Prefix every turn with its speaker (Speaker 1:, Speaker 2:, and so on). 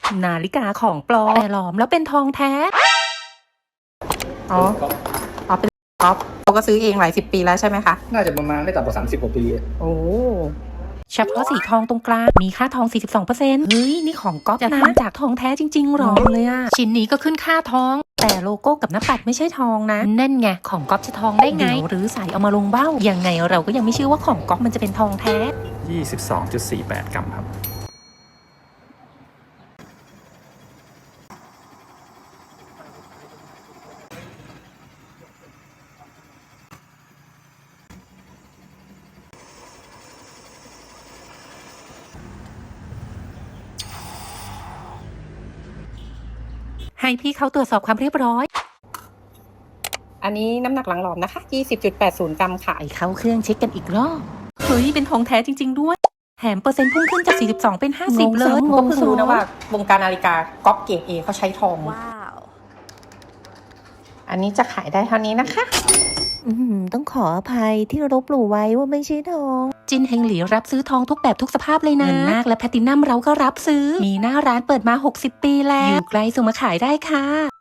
Speaker 1: นาฬิกาของปลอมแต่หลอมแล้วเป็นทองแท้
Speaker 2: อ๋อเป็นก๊อฟเขาก็ซื้อเองหลาย10 ปีแล้วใช่ไหมคะ
Speaker 3: น่าจะประมาณไม่ต่ำกว่า30 กว่าปี
Speaker 2: โอ้
Speaker 1: เฉพาะสีทองตรงกลางมีค่าทอง 42%เฮ้ยนี่ของก๊อฟจะทำจากทองแท้จริงๆหรอเลยอะชิ้นนี้ก็ขึ้นค่าทองแต่โลโก้กับหน้าปัดไม่ใช่ทองนะนั่นไงของก๊อฟจะทองได้ไงหรือใส่เอามาลงเบ้ายังไงเราก็ยังไม่เชื่อว่าของก๊อฟมันจะเป็นทองแท้
Speaker 3: 22.48 กรัมครับ
Speaker 1: ให้พี่เขาตรวจสอบความเรียบร้อย
Speaker 2: อันนี้น้ำหนักหลังหลอมนะคะ 20.80 กรัมค่ะ
Speaker 1: ไปเข้าเครื่องเช็คกันอีกรอบเฮ้ยเป็นทองแท้จริงๆด้วยแถมเปอร์เซ็นต์พุ่งขึ้นจาก 42 เป็น 50 เลย
Speaker 2: ก็เพิ่งรู้นะว่าวงการนาฬิกาก๊อฟเกรด A เขาใช้ทอง
Speaker 4: ว้าว
Speaker 2: อันนี้จะขายได้เท่านี้นะคะ
Speaker 4: ต้องขออภัยที่ลบหลู่ไว้ว่าไม่ใช่ทอง
Speaker 1: จินเฮงหลีรับซื้อทองทุกแบบทุกสภาพเลยนะเงินนาคและแพลตินัมเราก็รับซื้อมีหน้าร้านเปิดมา60 ปีแล้วอยู่ใกล้ส่งมาขายได้ค่ะ